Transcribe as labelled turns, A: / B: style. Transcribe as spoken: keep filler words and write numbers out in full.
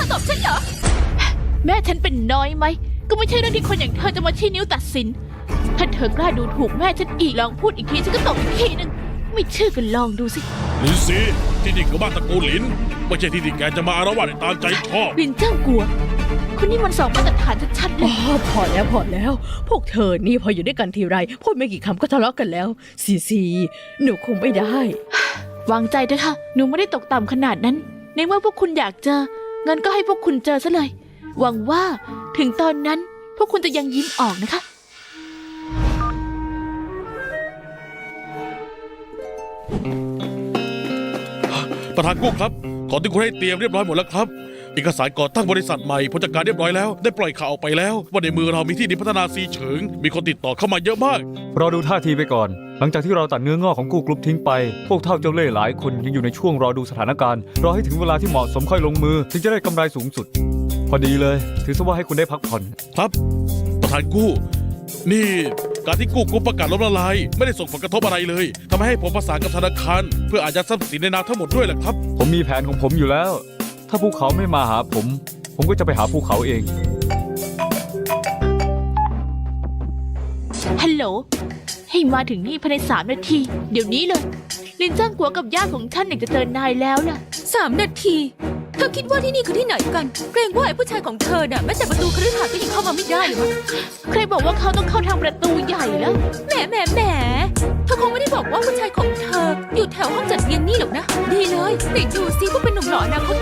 A: ตบฉันเหรอแม่ฉันเป็นน้อยไหมก็ไม่ใช่เรื่องที่คนอย่างเธอจะมาชี้นิ้วตัดสินถ้าเธอกล้าดูถูกแม่ฉันอีกลองพูดอีกทีฉันก็ตบอีกทีนึงไม่เชื่อกันลองดูสิ
B: ลินซีที่นี่คือบ้านตระกูลหลินไม่ใช่ที่ที่แกจะมาอารวาสในตามใจชอบ
A: ลินเจ้ากลัวคุณนี่มันสองมาตรฐานชัดๆเลย
C: พอแล้วพอแล้วพวกเธอนี่พออยู่ด้วยกันทีไรพูดไม่กี่คำก็ทะเลาะกันแล้วซีซีหนูคงไม่ได้
A: วางใจเถอะค่ะหนูไม่ได้ตกต่ำขนาดนั้นในเมื่อพวกคุณอยากเจองั้นก็ให้พวกคุณเจอซะเลยหวังว่าถึงตอนนั้นพวกคุณจะยังยิ้มออกนะคะ
B: ประธานกู้ครับของที่คุณให้เตรียมเรียบร้อยหมดแล้วครับเอกสารก่อตั้งบริษัทใหม่ผู้จัดการเรียบร้อยแล้วได้ปล่อยข่าวออกไปแล้วว่าในมือเรามีที่ดินพัฒนาซีเฉิงมีคนติดต่อเข้ามาเยอะมาก
D: รอดูท่าทีไปก่อนหลังจากที่เราตัดเนื้องอกของกู้กรุ๊ปทิ้งไปพวกเท่าเจ้าเล่ห์หลายคนยังอยู่ในช่วงรอดูสถานการณ์รอให้ถึงเวลาที่เหมาะสมค่อยลงมือถึงจะได้กำไรสูงสุดพอดีเลยถือซะว่าให้คุณได้พักผ่อน
B: ครับประธานกู้นี่การที่กู้กรุ๊ปประกาศล้มละลายไม่ได้ส่งผลกระทบอะไรเลยทำให้ผมประสานกับธนาคารเพื่ออายัดทรัพย์สินในนามทั้งหมดด้วยแหละครับ
D: ผมมีแผนของผมอยู่แล้วถ้าภูเขาไม่มาหาผมผมก็จะไปหาภูเขาเอง
A: ฮัลโหลให้มาถึงนี่ภายในสามนาทีเดี๋ยวนี้เลยลินจ้างกัวกับญาติของฉันอยากจะเจอนายแล้วล่ะ
E: สามนาทีเธอคิดว่าที่นี่คือที่ไหนกันเกรงว่าไอ้ผู้ชายของเธอน่ะแม้แต่ประตูคฤหาสน์ก็ยังเข้ามาไม่ได้เลย
A: ใครบอกว่าเขาต้องเข้าทางประตูใหญ่แล้ว
E: แหมแหมแหมเธอคงไม่ได้บอกว่าผู้ชายของเธออยู่แถวห้องจัดเลี้ยงนี่หรอกนะดีเลยไหนดูซิว่าเป็นหนุ่มหล่ออนาคต